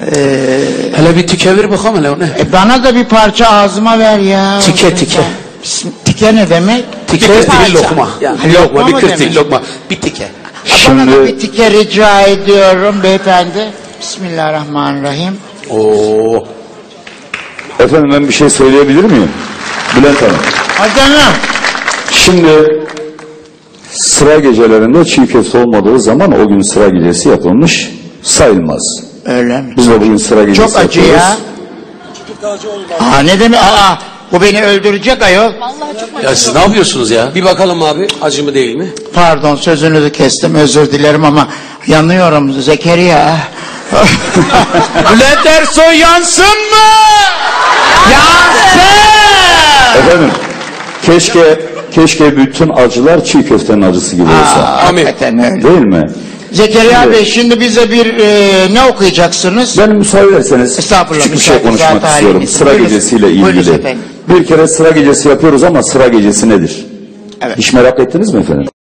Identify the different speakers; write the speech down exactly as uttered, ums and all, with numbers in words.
Speaker 1: Ee,
Speaker 2: Hele bir tike ver bakalım hele o ne?
Speaker 1: e bana da bir parça ağzıma ver ya.
Speaker 2: Tike tike.
Speaker 1: Bism- Tike ne demek?
Speaker 2: Tike
Speaker 3: Bir
Speaker 2: bir
Speaker 3: parça.
Speaker 2: lokma. Yani bir
Speaker 1: Lokma
Speaker 2: lokma, bir
Speaker 1: mı
Speaker 2: kırtık
Speaker 1: demek?
Speaker 2: lokma. Bir tike.
Speaker 1: Bana da bir
Speaker 4: Şimdi
Speaker 1: tike rica ediyorum beyefendi. Bismillahirrahmanirrahim.
Speaker 2: Oo.
Speaker 4: efendim ben bir şey söyleyebilir miyim? Bülent Hanım.
Speaker 1: Hadi canım.
Speaker 4: Şimdi sıra gecelerinde çiğ köfte olmadığı zaman o gün sıra gecesi yapılmış sayılmaz.
Speaker 1: Öyle mi?
Speaker 4: Biz de bugün sıra gecesi
Speaker 1: Çok acı
Speaker 4: yapıyoruz.
Speaker 1: ya. Aa ne demek? Aa bu beni öldürecek ayol.
Speaker 2: Ya siz ne yapıyorsunuz ya?
Speaker 3: Bir bakalım abi, acı mı değil mi?
Speaker 1: Pardon sözünü de kestim özür dilerim ama yanıyorum Zekeriya. Bülent Ersoy yansın mı? Yansın!
Speaker 4: Efendim keşke keşke bütün acılar çiğ köftenin acısı gibi olsa.
Speaker 1: Aa,
Speaker 3: Amin.
Speaker 1: hakikaten öyle.
Speaker 4: Değil mi?
Speaker 1: Zekeriya
Speaker 4: Evet.
Speaker 1: Bey şimdi bize bir e, ne okuyacaksınız?
Speaker 4: Ben müsaade ederseniz
Speaker 1: Estağfurullah,
Speaker 4: küçük bir şey
Speaker 1: müsaade,
Speaker 4: konuşmak
Speaker 1: zaten
Speaker 4: istiyorum.
Speaker 1: halimiz.
Speaker 4: Sıra
Speaker 1: Buyurun.
Speaker 4: gecesiyle
Speaker 1: Buyurun
Speaker 4: ilgili.
Speaker 1: efendim.
Speaker 4: Bir kere sıra gecesi yapıyoruz ama sıra gecesi nedir?
Speaker 1: Evet.
Speaker 4: Hiç merak ettiniz mi efendim?